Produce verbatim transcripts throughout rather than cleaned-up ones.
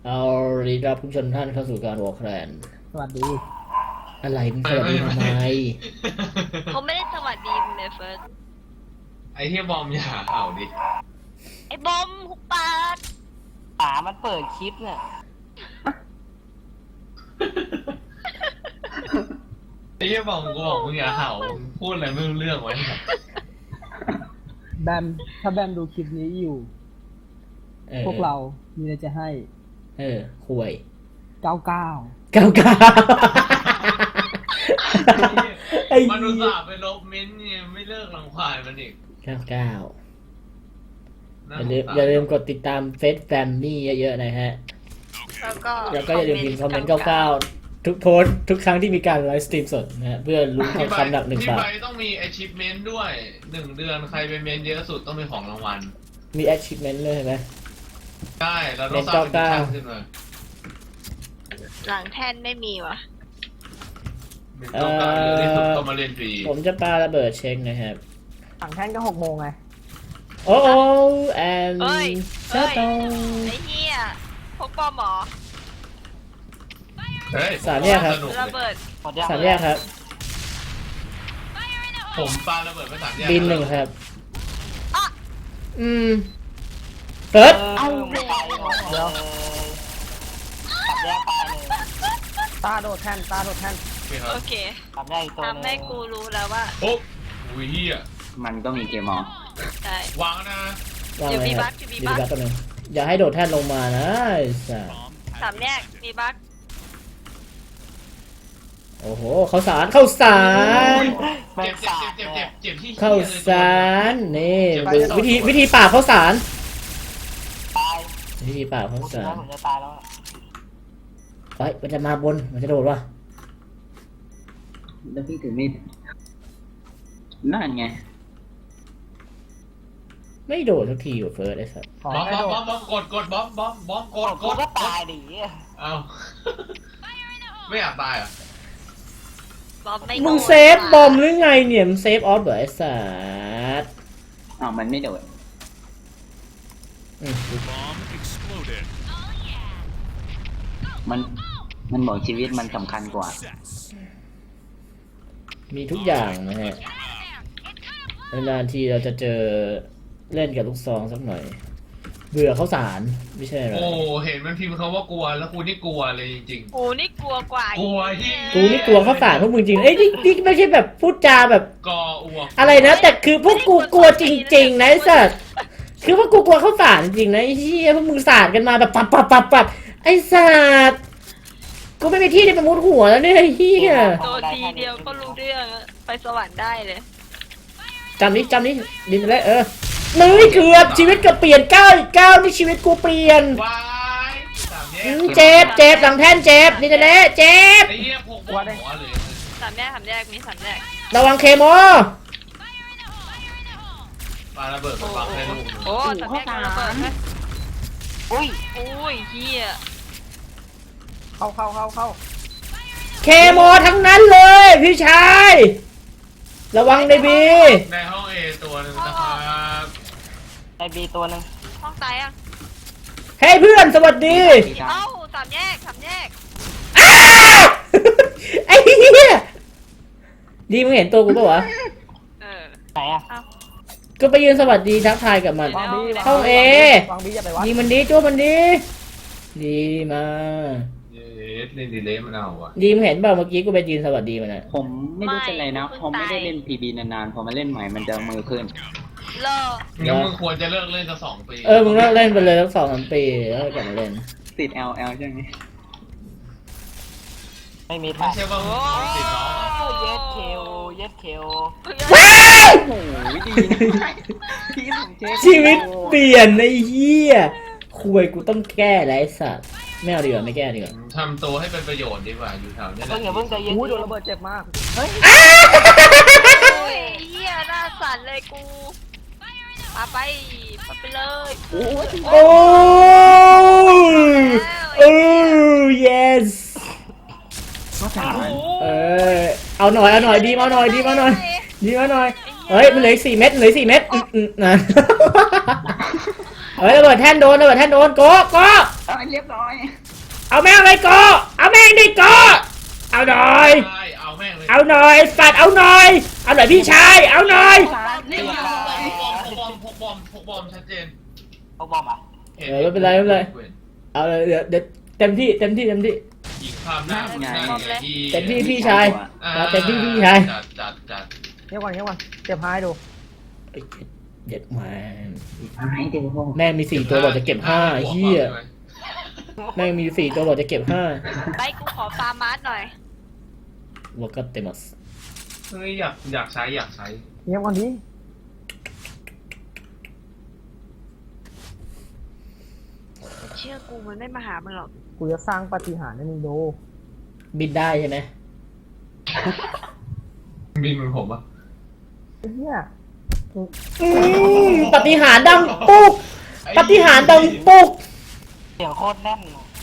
เอาดีรับผู้ชมท่านเข้าสู่การวอลแคลนสวัสดีอะไรมึงสวัสดีทำไมผมไม่ได้สวัสดีมึงเลยเฟิร์สไอ้ที่บอมอย่าเห่าดิไอ้บอมหุบปากป๋ามันเปิดคลิปเนี่ยไอ้ที่บอมกูบอกมึงอย่าเห่ามึงพูดอะไรไม่รู้เรื่องไว้แบมถ้าแบมดูคลิปนี้อยู่ออพวกเรามีอะไรจะให้เออคุยเก้าเก้าเก้าเก้าไอ้มันอุตส่าห์ไปลบเม้นต์เนี่ยไม่เลิกรังควานมันอีกเก้าเก้าอน่ย่าลืมสงสรอย่าลืมกดติดตามเฟซแฟมมี่เยอะๆนะฮะแล้วก็แล้วก็อย่าลืมพิมพ์คอมเมนต์เก้าเก้าทุกโพสต์ทุกครั้งที่มีการไลฟ์สตรีมสดนะฮะเพื่อลุ้นทองคำหนักหนึ่งที่บาใบทต้องมี achievement ด้วยหนึ่งเดือนใครไปเมนเยอะสุดต้องมีของรางวัลมี achievement เลยใช่ไหมใช่เราต้องสร้างเป็นชั้นขึ้นมาหลังแท่นไม่มีวะเป็นเก้าเก้าเยอะที่สุดต้องมาเรียนฟรีผมจะปาระเบิดเช็คนะครับสั่งแท่นก็หกโมงไงโอ้โอ้แอนเอ้ยชาเอ้ยโตไอ้เหี้ยพวกปอมหมอเฮ้ยสามแยกครับสนุกระเลยเบิดหมดยังสามแยกครับผมปาระเบิดไปสามแยกบินหนึ่งครับอ่ะอืมเฟิร์สเอ้าไม่ไปหมดเลยตัดแยกไปเลยตาโดดแท่นตาโดดแท่นโอเคครัโอบ เคตัดแยกอีกตัวหนึงทำให้กูรู้แล้วว่าโอ้อุ้ยเฮียมันก็มีเกมมอลใช่วางนะวางอยู่เลยมีคบัรับคอยู่มีอยู่บัคบัคตัวหนึงอย่าให้โดดแท่นลงมานะไอ้สัสสามแยกมีบัคโอ้โหข้าวสารข้าวสารแม่เจ็งบเจ็บสาดเจ็บเลเจ็บยเจ็บที่ข้าวสารนี่ดูวิธีวิธีปราบข้าวสารตายวิธีปราบข้าวพูดถึงสารว่าผมจะตายแล้วอะเฮ้ยมันจะมาบนมันจะโดดวะแล้วพี่ถือมีดนั่นไงไม่โดดสักทีว่ะเฟิร์สไอ้สัสขอบอมให้บอมโดบอดมบอมกดกดบอมบอมบอมกกดดกกูดก็ตายดิเอ้าไม่อยากตายเหรอ่ะบอมไม่มึงโดนเซฟบอมหรือไงเนี่ยมึงเซฟออฟเหรอไอ้สัสอ้าวมันไม่โดดอืม Bomb exploded. มัน มันบอกชีวิตมันสำคัญกว่า Success. มีทุกอย่างนะฮะนานๆทีเราจะเจอเล่นกับลูกซองสักหน่อย เบื่อข้าวสารไม่ใช่หรอโอ้เห็นมันพิมพ์เขาว่ากลัวแล้วกูนี่กลัวเลยจริงกูนี่กลัวกว่ากลัวที่กูนี่กลัวข้าวสารพวกมึงจริงเอ้ยนี่นี่ไม่ใช่แบบพูดจาแบบๆกออ้วกอะไรนะ แต่คือพวกกูกลัวจริงๆนะไอ้สัสคือพวกกูกลัวข้าวสารจริงนะไอ้เหี้ยพวกมึงสาดกันมาแบบปับปับปับปับไอ้สัสกูไม่มีที่จะไปมุดหัวแล้วเนี่ยไอ้เหี้ยโดนทีเดียวก็รู้เรื่องอะไปสวรรค์ได้เลยจำนี้จำนี้ดินแล้วเออมึงเกือบชีวิตเกือบเปลี่ยนเก้าอีกเก้านี่ชีวิตกูเปลี่ยนวายสามแยอืกมเจ็บเจ็บหลังแท่นเจ็บนี่จะเละเจ็บไอ้เหี้ยพกหัวเลยสามแยกสามแยกมีสามแยกระวังเคมอปาระเบิดมาบังให้ลูกโอ้สามแยกโดนระเบิดไหมอุ้ยอุ้ยเฮียเข้าเข้าเข้าเข้าเคมอทั้งนั้นเลยพี่ชายระวังในบีในห้องเอตัวหนึ่งนะครับไอบีตัวหนึงห้องตายอ่ะเฮ้ยเพื่อนสวัสดีเอ้าสามแยกสามแยกอ้าวไอ้เหี้ยดีมึงเห็นตัวกูปะวะเออไหนอะเอ้าก็ไปยืนสวัสดีทักทายกับมันวางบีเข้าเอวางบีอย่าไปวัดยิงมันดีจ้วมันดีดีมาเย้เล่นดีเลย์มันเอาอ่ะดีมึงเห็นเปล่าเมื่อกี้กูไปยืนสวัสดีมันอะผมไม่รู้เป็นไรนะพอไม่ได้เล่นพีบีนานๆ พอมาเล่นใหม่มันจะมือขึ้นเลองั้นมึงควรจะเลิกเล่นสักสองปีเออมึงเลิกเล่นไปเลยทั้งสองสามปีแล้วกลับมาเล่นติด แอล แอล ใช่ไหมไม่มีไม่ถ่ายใช่ว่ามึงติดน้องเย็ดเคลเย็ดเคลว้ายโอ้ยดีนะพี่ผมเจ๊ชีวิตเปลี่ยนไอ้เหี้ยคุยกูต้องแก้แล้วไอ้สัตว์ไม่เอาดีกว่าไม่แก้ดีกว่าทำตัวให้เป็นประโยชน์ดีกว่าอยู่แถวนี้แหเพิ่ละงอย่าเพิ่งใจเย็นอู้ยโดนระเบิดเจ็บมาก เฮ้ยโอ้ยเฮียหน้าสั่นเลยกูปาไปปาไปเลยโอ้ยโอ้ยโอ้ yes ก็ถามเออเอาหน่อยเอาหน่อยดีมาหน่อยดีมาหน่อยดีมาหน่อยเฮ้ยมันเหลืออีกสี่เม็ดเหลืออีกสี่เม็ดอืมอืมนะผเฮ้ยระเบิดแท่นโดนระเบิดแท่นโดนโกโกเอาให้เรียบร้อยเอาแม่งเลยโกเอาแม่งดิโกเอาหน่อยใช่เอาแม่งเลยเอาหน่อยสัตว์เอาหน่อยเอาหน่อยพี่ชายเอาหน่อยนี่พกบอมพกบอมพกบอมพกบอมชัดเจนพวกบอมอ่ะเออไม่เป็นไรไม่เป็นไรเอาเลยเดี๋ยวเดี๋ยวเต็มที่เต็มที่เต็มที่ยิงข้ามหน้าหน้าที่เต็มที่พี่ชายอ่ามาเต็มที่พี่ชายจัดจัดจัดเงียบก่อนเงียบก่อนเจ็บหายดูเอ้ยเด็ดแม่งให้ดูแม่งมีสี่ตัวบอกจะเก็บห้าไอ้เหี้ยแม่งมีสี่ตัวบอกจะเก็บห้าไปกูขอฟาร์มาร์สหน่อยวกัตเตมัสเฮ้ยอยากอยากใช้อยากใช้เงียบก่อนดิเชื่อกูมันไม่มาหามันหรอกกูจะสร้างปาฏิหาริย์ให้มึงดูบินได้ใช่ไหมบินเหมือนผมอ่ะไอ้เหี้ยอืมปฏิหารย์ดังปุ๊กปฏิหารย์ดังปุ๊กเสียงโคตรแน่น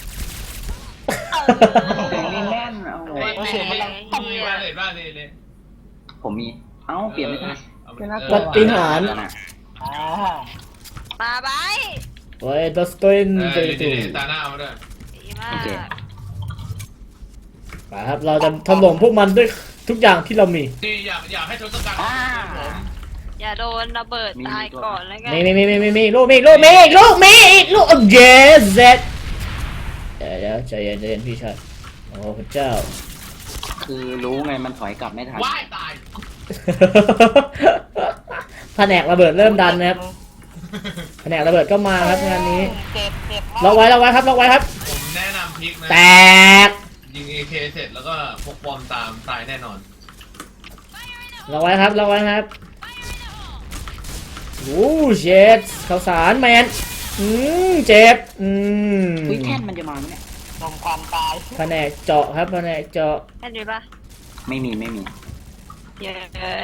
เสียงนี่แน่นเอาเฮ้ยเสียงมันดังตุ้มมาเลยบ้านเลยเลยผมมี เอ้าเปลี่ยนไม่ได้ปฏิหารย์อ่ามาไปโอ้ยดัสตินเอเจอตูเดี๋ยวตาหน้าเอามาด้วยดีมากไปครับเราจะถล่มพวกมันด้วยทุกอย่างที่เรามีนี่อยากอยากให้ทศกัณฐ์อ่าผมอย่าโดนระเบิดตายก่อนแล้วกันมีมีมีมีมีมีลูกมีลูกมีลูกมีลูกโอ้เยสเซ็ตเดี๋ยวเดี๋ยวใจเย็นใจเย็นพี่ชายโอ้พระเจ้าคือรู้ไงมันถอยกลับไม่ทันว่ายตายแผนกระเบิดเริ่มดันนะครับแผนกระเบิดก็มาครับงานนี้เจ็บเจ็บล็อกไว้ล็อกไว้ครับล็อกไว้ครับผมแนะนำพลิกนะแตกยิง เอ เค เสร็จแล้วก็พกบอมตามตายแน่นอนล็อกไว้ครับล็อกไว้ครับโอ้เจ็ดข้าวสารแมนอืมเจ็บอืมอุ้ยแท่นมันจะมาไหมเนี่ยนมความตายแผนกเจาะครับแผนกเจาะแค่นี้ปะไม่มีไม่มีเย้ย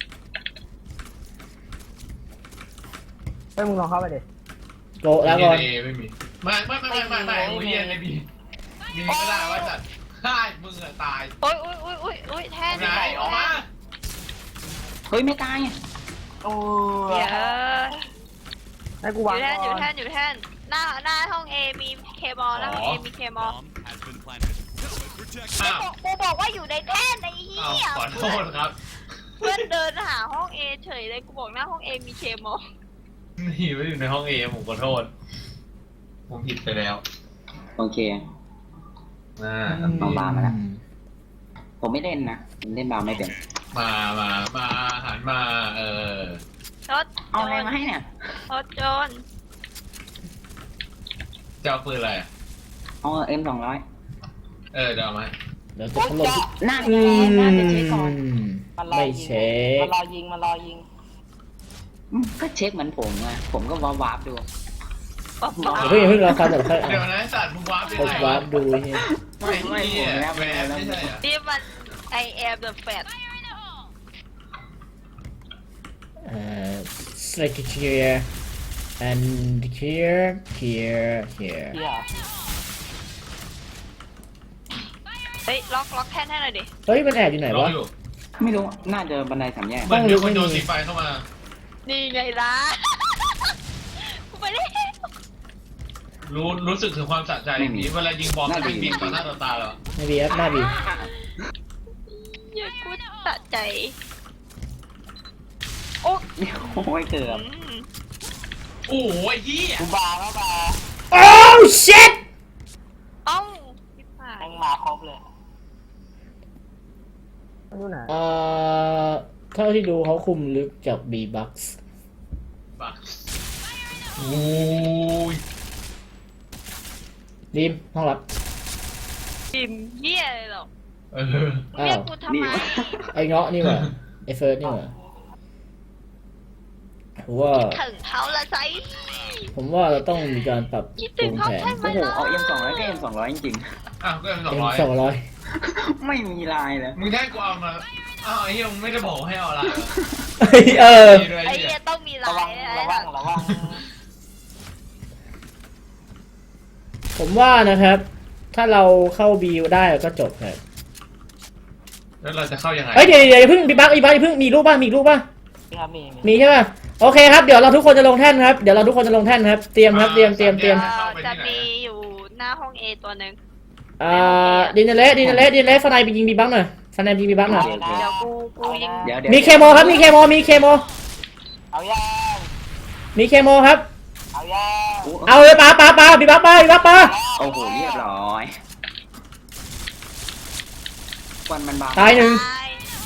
ไปมึงลองเข้าไปดิโกะแล้วก่อนเอไม่มีไม่ไม่ไม่ไม่ไม่ไม่ไม่เย็นไม่มีมีก็ได้ว่าจัดฆ่ามึงอะตายโอ้ยโอ้ยโอ้ยโอ้ยโอ้ยแท่นไหนออกมาเฮ้ยไม่ตายโอ้เย้ยให้กูอวางยู่แท่นอก่ยู่อนแท่นอยู่แท่นหน้าหน้าห้องเอมีเคมอลหน้าห้องเอมีเคมอลอ้าวกูบอกว่าอยู่ในแท่นไอ้เหี้อ้าวย ขอโทษครับเพื่อนเดินหาห้องเอเฉยเลยกูบอกหน้าห้องเอมีเคมอลนี่ไม่อยู่ในห้องเอผมขอโทษ ผมผิดไปแล้วโอเคอ่าน้องบามาแล้ว ผมไม่เล่นนะผมเล่นบาไม่เป็นมามามาหันมาเออรถเอาอะไรมาให้เนี่ยรถโจรจะเอาปืนอะไรอะเอาเอ็มสองร้อยเออเดี๋ยวเอามาเดี๋ยวจะถล่มทุกน่าอืจะน่าจะเช็คก่อนมมันรอไม่ยิงเช็คมันรอยิงมันรอยิงอืมก็เช็คเหมือนผมไงผมก็วาร์ปวาร์ปดูป๊อปป๊อปเดี๋ยวเพิ่งอย่าเพิ่งรอฟังเดี๋ยวค่อยเดี๋ยวอ่านนะสัตว์มึงวาร์ปไปกดไหนวาร์ปดูเฮียไม่ไม่แหวนไม่ใช่เหรอนี่มัน I am the fat เอ่อ select here and here here here เหี้ยเฮ้ยล็อกล็อกแท่นให้หน่อยดิเฮ้ยมันแอบอยู่ไหนรอวะอยู่ไม่รู้น่าจะบันไดสามแยกเหมือนมีคนโยนสีไฟเข้ามานี่ไงล่ะ กูไปแล้วรู้รู้สึกถึงความสะใจนี้เวลายิงบอลมันวิ่งบินต่อหน้าต่อตาเหรอไม่บีครับหน้าบีเหี้ยกูสะใจ โอ้โอ้ยเกือบอืมโอ้ยเหี้ยกูบาแล้วบาโอ้ shit เอ้าพี่ผ่าแม่นงมาครบเลยมันอยู่ไหนเอ่อเท่าที่ดูเขาคุมลึกจาก B-Bucks บักโอ้ยดีมห้องรับจิมเหี้ยเลยหรอกเออมึงเรียกกูทำไมไอ้เงาะนี่หว่าไอ้เฟิร์สนี่หว่าผมว่าถึงเขาละไซผมว่าเราต้องมีการปรับคิดปถึรุงงเขาแผนใช่ไหมโอ้โหล่ะเอาเอ็มสองร้อยก็เอ็มสองร้อยจริงอ้าวก็เป็นสองเป็นร้อยสองร้อยๆ ไม่มีลายเลยมึงแค่กูเอามาอ้าวไอ้เหี้ยมึงไม่ได้บอกให้เอาอะไรเออดีเลยไอ้ไอ้เหี้เหี้ยยต้องมีระลาวังยระวังระวังผมว่านะครับ ถ้าเราเข้าบีได้ก็จบครับแล้วเราจะเข้ายังไงเอ้ยเดี๋ยวเดี๋ยวอย่าเพิ่งบีบักบีบักอย่าเพิ่งมีรูปป่ะมีรูปป่ะครับมีมีมีใช่ป่ะโอเคครับเดี๋ยวเราทุกคนจะลงแท่นครับเดี๋ยวเราทุกคนจะลงแท่นครับเตรียมครับเตรียมเตรียมเตรียมเอ่อจะมีอยู่หน้าห้องเอตัวหนึ่งอ่าดินเนเลสดินเนเลสดินเนเลสสไนไปยิงบีบังหน่อยสไนไปยิงบีบังหน่อยเดี๋ยวกูกูยิงเดี๋ยวเดี๋ยวมีเคโมครับมีเคโมมีเคโมเอายังมีเคโมครับเอายังอู้เอาเลยปาปาปาบีบังปาบีบังปาโอ้โหเรียบร้อยควันมันบางตายหนึ่งตาย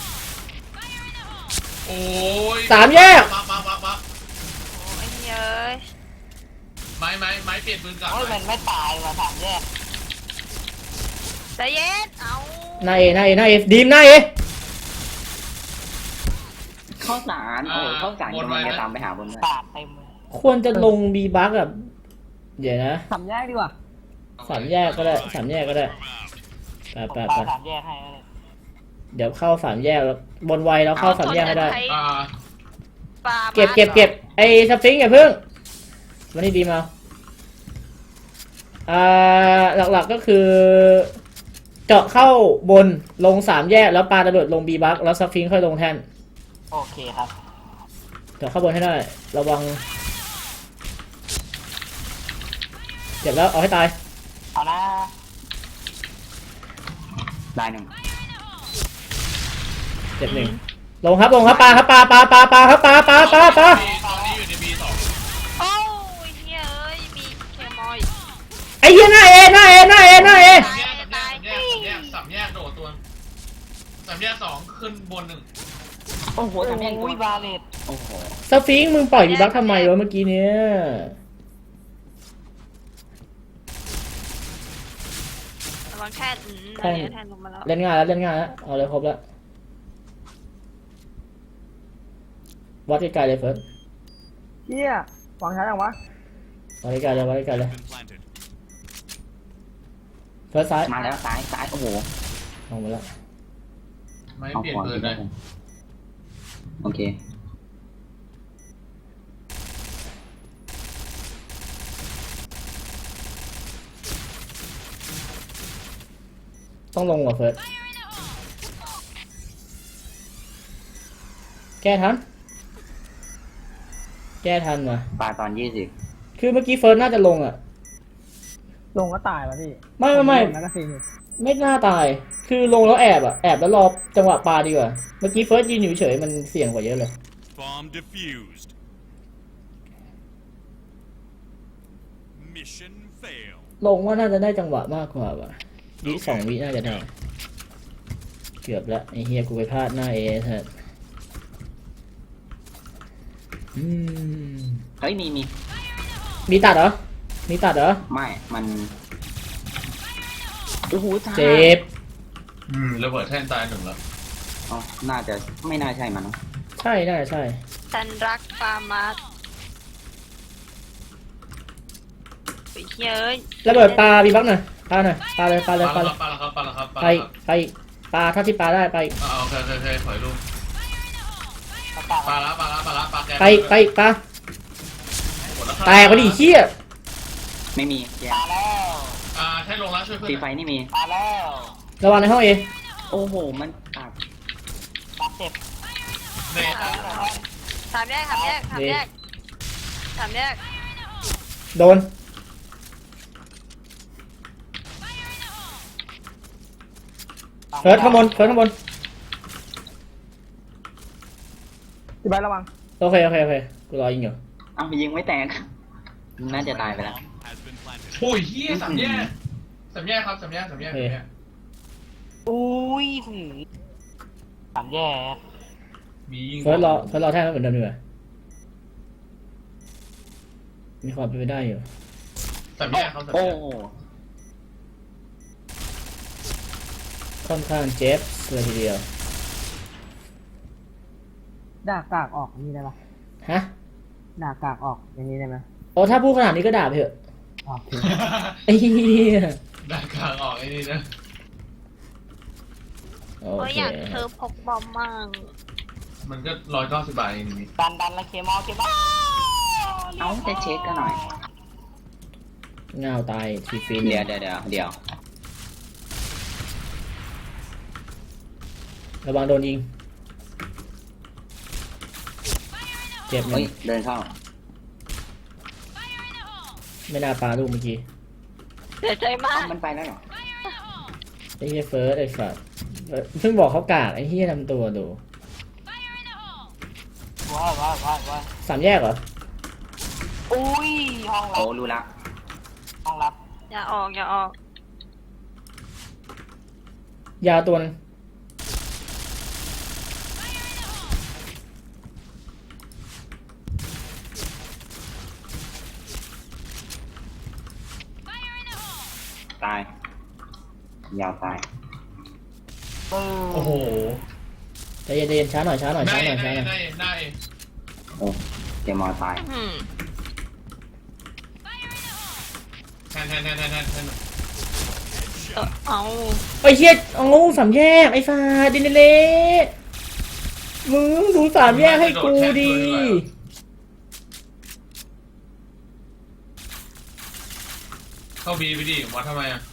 โอ้ยสามแยกปั๊บปั๊บปั๊บปั๊บโอ้ยเย้ยไม้ไม้ไม้เปลี่ยนปืนกลับโอ้ยมันไม่ตายว่ะถามแยกใจเย็นเอาหน้าเอหน้าเอหน้าเอดีมหน้าเอข้าวสารโอ้โหข้าวสารกำลังจะตามไปหาบนเลยปาดเต็มเลยควรจะลงบีบักแบบเดี๋ยวนะสามแยกดีกว่าสามแยกก็ได้สามแยกก็ได้ไปผมไปปาไปดสามแยกให้เลยเดี๋ยวเข้าสามแยกแล้วบนไวแล้วเข้าสามแยกให้ได้อ่าปลาเก็บเก็บเก็บไอ้สฟิงค์อย่าเพิ่งวันนี้ดีมาอ่าหลักๆก็คือ เจาะเข้าบนลงสามแยกแล้วปาระเบิดลงบีบักแล้วสฟิงค์ค่อยลงแท่นโอเคครับเจาะเข้าบนให้ได้ระวังเจ็บแล้วเอาให้ตายเอานะได้หนึ่งเจ็บหนึ่งลงครับลงครับปาครับปาปาปาปาครับปาปาปาปาตอนนี้อยู่ในบีสองโอ้ยเฮ้ยเอ้ยมีเคมอยไอ้เหี้ยหน้าเอหน้าเอหน้าเอหน้าเอสามแยกสามแยกสามแยกสามแยกโดดตัวสามแยกสองขึ้นบนหนึ่งโอ้โหทำยังโอ้ยบาเลตโอ้โหสฟิงค์มึงปล่อยบีบักทำไมวะเมื่อกี้เนี้ยระวังแท่นอืมอันนี้แท่นลงมาแล้วเล่นง่ายแล้วเล่นง่ายแล้วเอาเลยครบแล้ววัดไกลๆเลยเฟิร์สเฮียฟังช้าจังวะวัดไกลๆเลยวัดไกลๆเลยเฟิร์สซ้ายมาแล้วซ้ายซ้ายโอ้โหลงมาแล้วไม้เอาเปลี่ยนขวาปืนเลยโอเคต้องลงว่ะเฟิร์สแก้ทันแก้ทันว่ะปลาตอนยี่สิบคือเมื่อกี้เฟิร์สน่าจะลงอ่ะลงก็ตายวะพี่ไม่ไม่ไม่แล้วก็ซีนไม่น่าตาย คือลงแล้วแอบอ่ะแอบแล้วรอจังหวะปาดีกว่าเมื่อกี้เฟิร์สยืนอยู่เฉยมันเสี่ยงกว่าเยอะเลย Bomb defused. Mission failed. ลงว่าน่าจะได้จังหวะมากกว่าว่ะวิสองวิน่าจะได้เกือบแล้วไอ้เฮียกูไปพลาดหน้าเอเถอะอืมเฮ้ยมีมีมีตัดเหรอ มีตัดเหรอไม่มันโอ้โหจ้าเจ็บอืมระเบิดแท่นตายหนึ่งแล้วอ๋อน่าจะไม่น่าใช่มันเนอะใช่น่าจะใช่ฉันรักปลามาสไอ้เฮ้ยเอ้ยระเบิดปลาบีบักหน่อยปลาหน่อยปลาเลยปลาเลยปปลาลาเลแล้ยวปลาแล้วครับปลาแล้วครับปลาไปแล้วครับไปปลาถ้าที่ปลาได้ไปอ่าโอเคโอเคโอเคถอยลูกปาดปาดปลาละปลาละปลาละปลาแกไปไปปลาหมดล้วครับแตกไปดิเฮียไม่มีแย่ปาดแล้วอ่าแท่นลงแล้วช่วยเพื่อนตีไฟนี่มีปาดแล้วระวังในห้องเอโอ้โหมันปากปาดเจ็บเน่อ่ะสามแยกสามแยกสามแยกสามแยกโดน เฟิร์สข้างบนเฟิร์สข้างบนพี่ใบร์ทระวังโอเคโอเคโอเคกูรอยิงอยู่เอ้ายิงไม่แตกน่าจะตายไปแล้ว Has been planted. โอ้ยเฮียสามแยกสามแยกครับสามแยกสามแยกสามแยกอุ้ยหือสามแยกมียิงเฟิร์สรอเฟิร์สรอแท่งเหมือนเดิมดีกว่ามีความเป็นไปได้อยู่สามแยกครับสามโอ้แยกโหค่อนข้างเจ็บเลยทีเดียวด่ากากออกนี่ได้ปะฮะด่ากากออกอย่างนี้ได้ไหมโอ้ถ้าพูดขนาดนี้ก็ด่าไปเถอะออกไอ้เหี้ยด้านกลางออกไอ้นี่นะโอโอ้ยเคอยากเธอพกบอมมั่งมันก็ร้อยเก้าสิบบาทเองนี่ดันดันแล้วเคมอลเคมอลเอาจะเช็คกันหน่อยเงาตายทีฟินเดี๋ยวเดี๋ยวเดี๋ยวเดี๋ยวระวังโดนยิงเจ็บหนึ่เฮ้ยงเดินเข้าไม่น่าปาลูกเมื่อกี้เสียใจมาเอ้าก มันไปแล้วเหรอไอ้เฮียเฟิร์สไอ้สัสเพิ่งบอกเขากากไอ้เฮียทำตัวดูว้ายว้ายว้ายว้ายสามแยกเหรออุ้ยห้องลัโอ้บรู้ละห้องลับอย่าออกอย่าออกยาวตัวนึงตาย ยาวตายปึ้งโอ้โหใจเย็นๆช้าหน่อยช้าหน่อยได้ช้าหน่อยช้าได้หน่อยได้ได้โอ้เจมอตายอืมแทนแทนแทนแทนแทนแทนเออเอาไอ้เฮียเอาสามแยกไอ้ฟ้าดินเละมึงดูสามแยกให้กูดีเข้าบีไปดิวัดทำไมอ่ะ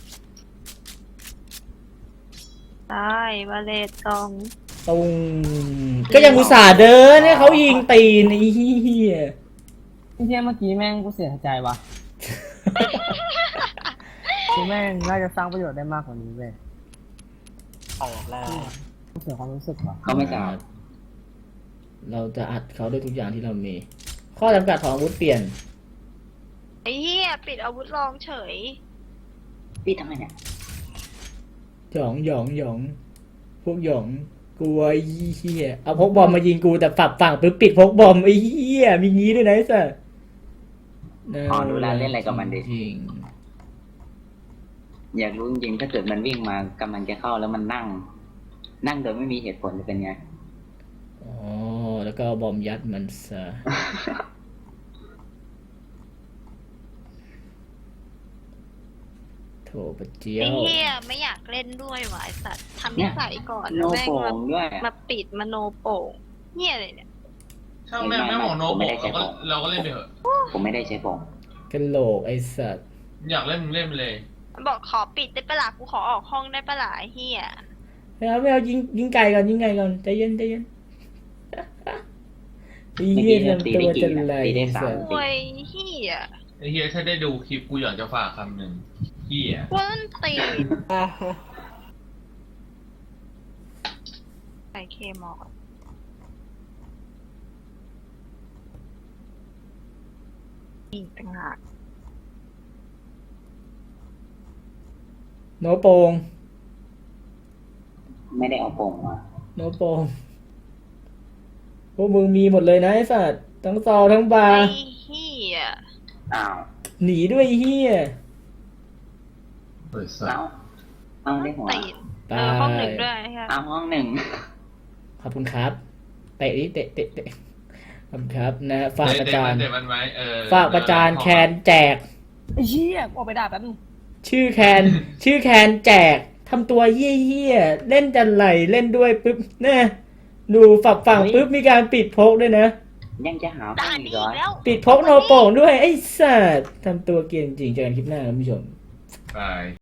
ได้มาเลตกองตุงก็ยังอุตส่าห์เดินเนี่ยเขายิงตีนไอ้เฮียไอ้เหี้ยเมื่อกี้แม่งกูเสียใจวะคือแม่งน่าจะสร้างประโยชน์ได้มากกว่านี้เว้ยเปิดแล้วกูเสียความรู้สึกว่ะเขาไม่กล้าเราจะอัดเขาด้วยทุกอย่างที่เรามี ข้อจำกัดของอาวุธเปลี่ยนไอ้เหี้ยปิดอาวุธลองเฉยพี่ทำไมเนี่ยหยองหยองหยองพวกหยองกลัวไอ้เฮียเอาพกบอมมายิงกูแต่ฝักฝั่งปึ๊บปิดพกบอมไอ้เฮียมีงี้ด้วยนะไอ้สัสอ๋อรู้แล้วเล่นอะไรกับมันดิจริงอยากรู้จริงๆถ้าเกิดมันวิ่งมากำลังจะเข้าแล้วมันนั่ง นั่งโดยไม่มีเหตุผลจะเป็นไงอ๋อแล้วก็เอาบอมยัดมันซะโถปะเจียไอ้วเหี้ยไม่อยากเล่นด้วยว่ะไอ้สัตว์ทำนิสัยก่อนโนแล้วแม่งโป่มางด้วยมาปิดมาโนโป่งเหี้ยอะไรเนี่ยช่างแม่งไม่หมองโนผมไม่โบได้ใช้เราก็ผมเราก็เล่นไปเถอะผมไม่ได้ใช้ปองกะโหลกไอ้สัสอยากเล่นมึงเล่นไปเลยมันบอกขอปิดได้ปะล่ะกูขอออกห้องได้ปะล่ะไอ้เหี้ยไม่เอาไม่เอายิงยิงไก่ก่อนยิงไก่ก่อนใจเย็นใจเย็นไอ้เมื่อเหี้กี้ยเนี่ยตีทำตัวได้กี่จะนะไรตีได้สามโอ้ยเหี้ยไอ้เฮียถ้าได้ดูคลิปกูอยากจะฝากคำหนึ่งเฮียกวนตีนใส่เคมอลอีกต่างหากโนโปงไม่ได้เอาปองมาโนโปงพวกมึงมีหมดเลยนะไอ้สัสทั้งซอทั้งบาไอ้ร์เหี้ยอ้าวหนีด้วยไอ้เหี้ยเปิดสัเอาตว์เอาได้หัวตีนเออห้องหนึ่งด้วยใช่เอาห้องหนึ่งขอบคุณครับเตะดิเตะเตะเตะขอบคุณครับนะฝากประจานเด็ดมันไหมเออฝากประจานแคนแจกไอ้เหี้ยกูออกไปด่าแป๊บนึงชื่อแคน ชื่อแคนแจกทำตัวเหี้ยๆเล่นจันไหลเล่นด้วยปุ๊บเนี่ยดูฝักฝั่งปุ๊บมีการปิดพกด้วยนะยังจะหาห้อด่าง นอีกนี้เหรอแล้วปิดพกโนโป่งด้วยไอ้สัสทำตัวเกรียนจริงเจอกันคลิปหน้าครับคุณผู้ชมไป